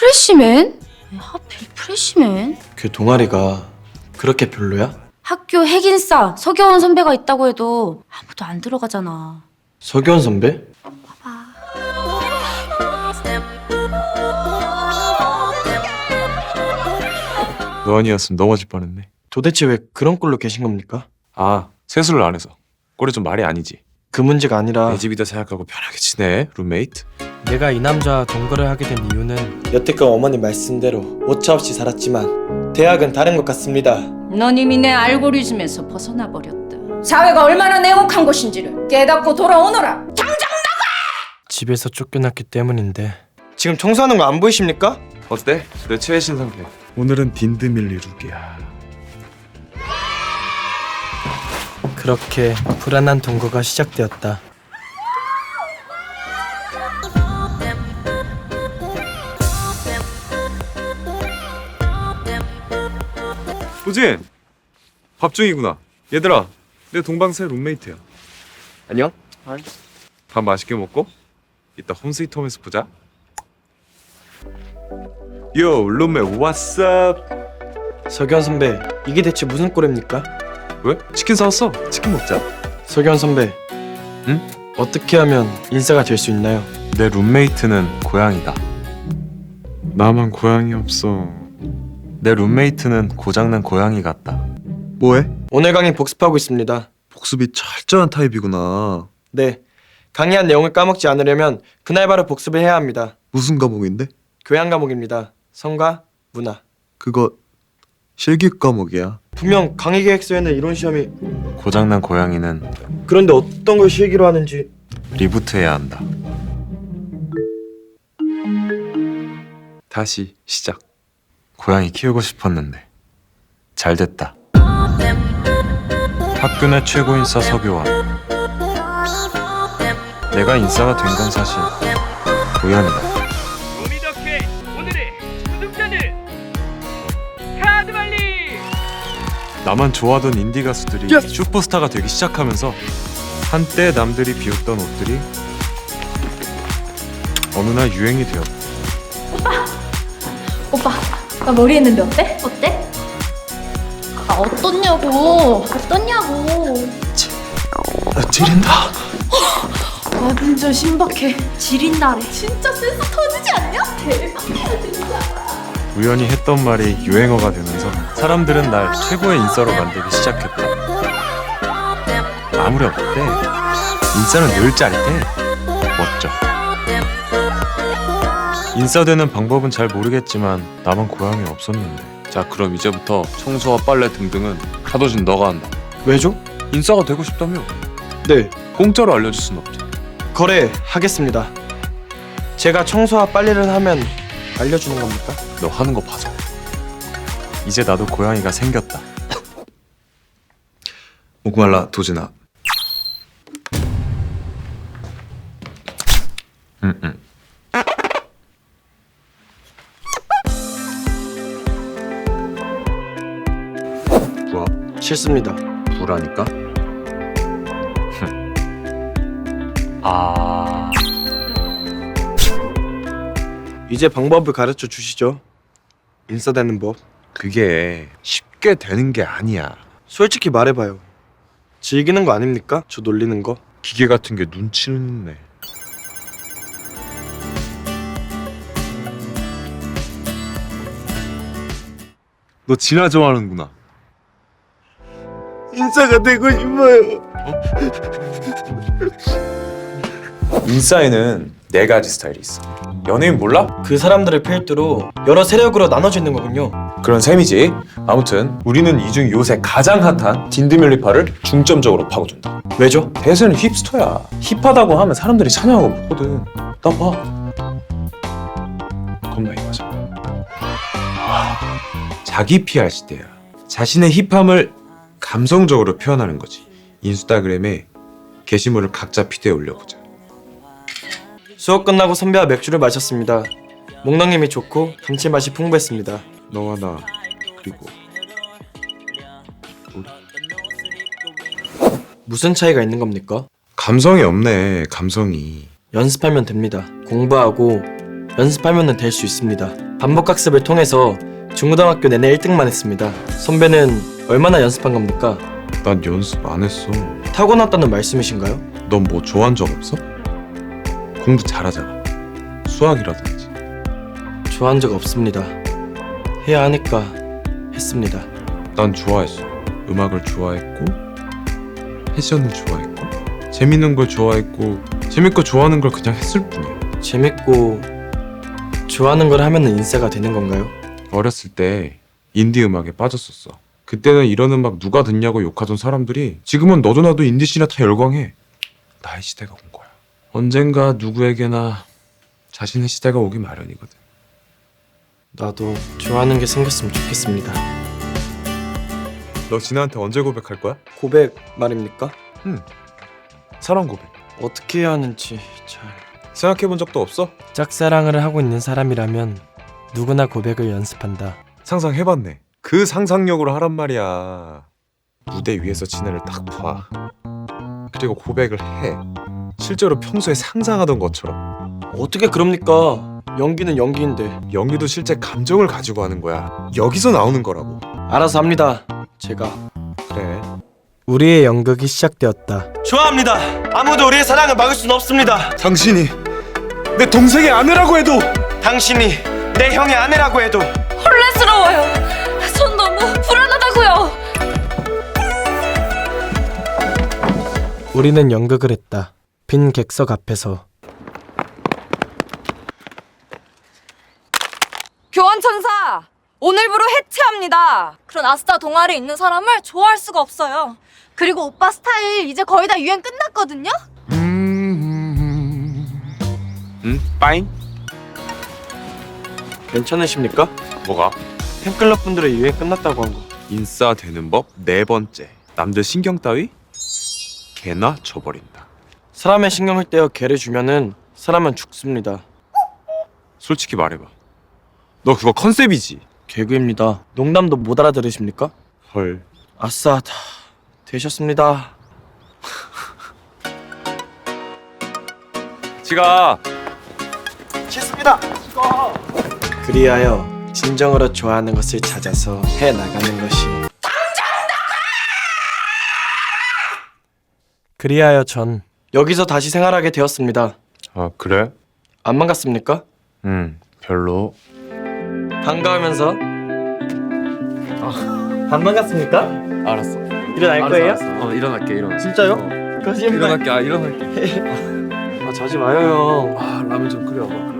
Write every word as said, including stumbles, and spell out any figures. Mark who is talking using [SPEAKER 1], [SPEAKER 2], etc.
[SPEAKER 1] 프레시맨? 왜 하필 프레시맨?
[SPEAKER 2] 그 동아리가 그렇게 별로야?
[SPEAKER 1] 학교 핵인싸 서겨운 선배가 있다고 해도 아무도 안 들어가잖아.
[SPEAKER 2] 서기원 선배?
[SPEAKER 3] 너 아니었으면 넘어질 뻔했네.
[SPEAKER 2] 도대체 왜 그런 꼴로 계신 겁니까?
[SPEAKER 3] 아, 세수를 안 해서. 꼴이 좀 말이 아니지.
[SPEAKER 2] 그 문제가 아니라
[SPEAKER 3] 내 집이다 생각하고 편하게 지내, 룸메이트.
[SPEAKER 4] 내가 이 남자와 동거를 하게 된 이유는
[SPEAKER 2] 여태껏 어머니 말씀대로 오차없이 살았지만 대학은 다른 것 같습니다.
[SPEAKER 5] 넌 이미 내 알고리즘에서 벗어나 버렸다. 사회가 얼마나 냉혹한 곳인지를 깨닫고 돌아오너라.
[SPEAKER 4] 집에서 쫓겨났기 때문인데
[SPEAKER 2] 지금 청소하는 거 안 보이십니까?
[SPEAKER 3] 어때? 내 최애신 상태. 오늘은 딘드밀리 룩이야.
[SPEAKER 4] 그렇게 불안한 동거가 시작되었다.
[SPEAKER 3] 우진! 밥 중이구나. 얘들아, 내 동방새 룸메이트야.
[SPEAKER 2] 안녕?
[SPEAKER 3] 밥 맛있게 먹고 이따 홈스위트홈에서 보자. 요, 룸메 왓썹?
[SPEAKER 2] 서기원 선배, 이게 대체 무슨 꼴입니까?
[SPEAKER 3] 왜? 치킨 사왔어. 치킨 먹자.
[SPEAKER 2] 서기원 선배,
[SPEAKER 3] 응?
[SPEAKER 2] 어떻게 하면 인싸가 될 수 있나요?
[SPEAKER 3] 내 룸메이트는 고양이다. 나만 고양이 없어. 내 룸메이트는 고장난 고양이 같다.
[SPEAKER 6] 뭐해?
[SPEAKER 2] 오늘 강의 복습하고 있습니다.
[SPEAKER 6] 복습이 철저한 타입이구나.
[SPEAKER 2] 네, 강의한 내용을 까먹지 않으려면 그날 바로 복습을 해야 합니다.
[SPEAKER 6] 무슨 과목인데?
[SPEAKER 2] 교양 과목입니다. 성과, 문화.
[SPEAKER 6] 그거 실기 과목이야.
[SPEAKER 2] 분명 강의 계획서에는 이론 시험이
[SPEAKER 3] 고장난 고양이는
[SPEAKER 2] 그런데 어떤 걸 실기로 하는지
[SPEAKER 3] 리부트해야 한다. 다시 시작. 고양이 키우고 싶었는데 잘 됐다. 학교 내 최고 인싸 서교환. 내가 인싸가 된 건 사실 우연이다.
[SPEAKER 7] 도미덕회 오늘의 우승자는 카드발리.
[SPEAKER 3] 나만 좋아하던 인디 가수들이 슈퍼스타가 되기 시작하면서 한때 남들이 비웃던 옷들이 어느 날 유행이 되었다.
[SPEAKER 8] 오빠, 나 머리 했는데 어때?
[SPEAKER 1] 어때? 아 어떻냐고. 어떻냐고.
[SPEAKER 2] 찌른다.
[SPEAKER 8] 완전 신박해.
[SPEAKER 1] 지린다래. 진짜 센스 터지지 않냐? 대박이야 진짜.
[SPEAKER 3] 우연히 했던 말이 유행어가 되면서 사람들은 날 최고의 인싸로 만들기 시작했다. 아무렴 어때? 인싸는 늘 짜릿해. 멋져. 인싸 되는 방법은 잘 모르겠지만 나만 고양이 없었는데. 자, 그럼 이제부터 청소와 빨래 등등은 카도진 너가 한다.
[SPEAKER 2] 왜죠?
[SPEAKER 3] 인싸가 되고 싶다며?
[SPEAKER 2] 네,
[SPEAKER 3] 공짜로 알려줄 순 없지.
[SPEAKER 2] 거래하겠습니다. 제가 청소와 빨래를 하면 알려주는 겁니까?
[SPEAKER 3] 너 하는 거 봐서. 이제 나도 고양이가 생겼다.
[SPEAKER 6] 목말라 도진아.
[SPEAKER 3] 응응.
[SPEAKER 6] 뭐야?
[SPEAKER 2] 싫습니다.
[SPEAKER 6] 뭐라니까?
[SPEAKER 3] 아.
[SPEAKER 2] 이제 방법을 가르쳐 주시죠. 인싸 되는 법.
[SPEAKER 3] 그게 쉽게 되는 게 아니야.
[SPEAKER 2] 솔직히 말해봐요. 즐기는 거 아닙니까? 저 놀리는 거.
[SPEAKER 3] 기계 같은 게 눈치는 있네. 너 진아 좋아하는구나.
[SPEAKER 2] 인싸가 되고 싶어요.
[SPEAKER 3] 인싸에는 네 가지 스타일이 있어. 연예인 몰라?
[SPEAKER 2] 그 사람들을 필두로 여러 세력으로 나눠져 있는 거군요.
[SPEAKER 3] 그런 셈이지. 아무튼 우리는 이 중 요새 가장 핫한 딘드밀리파를 중점적으로 파고든다.
[SPEAKER 2] 왜죠?
[SPEAKER 3] 대세는 힙스터야. 힙하다고 하면 사람들이 찬양하고 보거든. 나 봐. 겁나 힙하잖아. 자기 피알 시대야. 자신의 힙함을 감성적으로 표현하는 거지. 인스타그램에 게시물을 각자 피드에 올려보자.
[SPEAKER 2] 수업 끝나고 선배와 맥주를 마셨습니다. 목넘김이 좋고 감칠맛이 풍부했습니다.
[SPEAKER 3] 너와 나 그리고 우리.
[SPEAKER 2] 무슨 차이가 있는 겁니까?
[SPEAKER 3] 감성이 없네. 감성이.
[SPEAKER 2] 연습하면 됩니다. 공부하고 연습하면 될 수 있습니다.
[SPEAKER 4] 반복학습을 통해서 중고등학교 내내 일 등만 했습니다. 선배는 얼마나 연습한 겁니까?
[SPEAKER 3] 난 연습 안 했어.
[SPEAKER 4] 타고났다는 말씀이신가요?
[SPEAKER 3] 넌 뭐 좋아한 적 없어? 공부 잘하잖아. 수학이라든지.
[SPEAKER 4] 좋아한 적 없습니다. 해야 하니까 했습니다.
[SPEAKER 3] 난 좋아했어. 음악을 좋아했고 패션을 좋아했고 재밌는 걸 좋아했고 재밌고 좋아하는 걸 그냥 했을 뿐이야.
[SPEAKER 4] 재밌고 좋아하는 걸 하면은 인싸가 되는 건가요?
[SPEAKER 3] 어렸을 때 인디 음악에 빠졌었어. 그때는 이런 음악 누가 듣냐고 욕하던 사람들이 지금은 너도 나도 인디씬에 다 열광해. 나의 시대가 온 거야. 언젠가 누구에게나 자신의 시대가 오기 마련이거든.
[SPEAKER 4] 나도 좋아하는 게 생겼으면 좋겠습니다.
[SPEAKER 3] 너 진아한테 언제 고백할 거야?
[SPEAKER 4] 고백 말입니까?
[SPEAKER 3] 사랑 고백.
[SPEAKER 4] 어떻게 해야 하는지 잘...
[SPEAKER 3] 생각해본 적도 없어?
[SPEAKER 4] 짝사랑을 하고 있는 사람이라면 누구나 고백을 연습한다.
[SPEAKER 3] 상상해봤네. 그 상상력으로 하란 말이야. 무대 위에서 진아를 딱 봐. 그리고 고백을 해. 실제로 평소에 상상하던 것처럼.
[SPEAKER 4] 어떻게 그럽니까? 연기는 연기인데.
[SPEAKER 3] 연기도 실제 감정을 가지고 하는 거야. 여기서 나오는 거라고.
[SPEAKER 4] 알아서 합니다. 제가.
[SPEAKER 3] 그래.
[SPEAKER 4] 우리의 연극이 시작되었다.
[SPEAKER 2] 좋아합니다. 아무도 우리의 사랑을 막을 수는 없습니다.
[SPEAKER 3] 당신이 내 동생의 아내라고 해도
[SPEAKER 2] 당신이 내 형의 아내라고 해도
[SPEAKER 8] 혼란스러워요. 전 너무 불안하다고요.
[SPEAKER 4] 우리는 연극을 했다. 빈 객석 앞에서.
[SPEAKER 9] 교환천사! 오늘부로 해체합니다.
[SPEAKER 8] 그런 아스타 동아리에 있는 사람을 좋아할 수가 없어요. 그리고 오빠 스타일 이제 거의 다 유행 끝났거든요?
[SPEAKER 3] 응? 빠잉?
[SPEAKER 4] 괜찮으십니까?
[SPEAKER 3] 뭐가?
[SPEAKER 4] 팬클럽 분들의 유행 끝났다고 한 거.
[SPEAKER 3] 인싸 되는 법 네 번째. 남들 신경 따위? 개나 쳐버린다.
[SPEAKER 4] 사람의 신경을 떼어 개를 주면은 사람은 죽습니다.
[SPEAKER 3] 솔직히 말해봐. 너 그거 컨셉이지?
[SPEAKER 4] 개그입니다. 농담도 못 알아들으십니까?
[SPEAKER 3] 헐.
[SPEAKER 4] 아싸, 다 되셨습니다.
[SPEAKER 3] 지가
[SPEAKER 2] 싫습니다.
[SPEAKER 4] 그리하여 진정으로 좋아하는 것을 찾아서 해 나가는 것이. 그리하여 전 여기서 다시 생활하게 되었습니다.
[SPEAKER 3] 아 그래?
[SPEAKER 4] 안 반갑습니까?
[SPEAKER 3] 응 별로.
[SPEAKER 4] 반가우면서 안 반갑습니까?
[SPEAKER 6] 알았어.
[SPEAKER 4] 일어날 거예요?
[SPEAKER 6] 어 일어날게 일어나.
[SPEAKER 4] 진짜요? 거짓말.
[SPEAKER 6] 일어날게. 아 일어날게.
[SPEAKER 4] 아 자지 마요 형.
[SPEAKER 6] 아 라면 좀 끓여봐.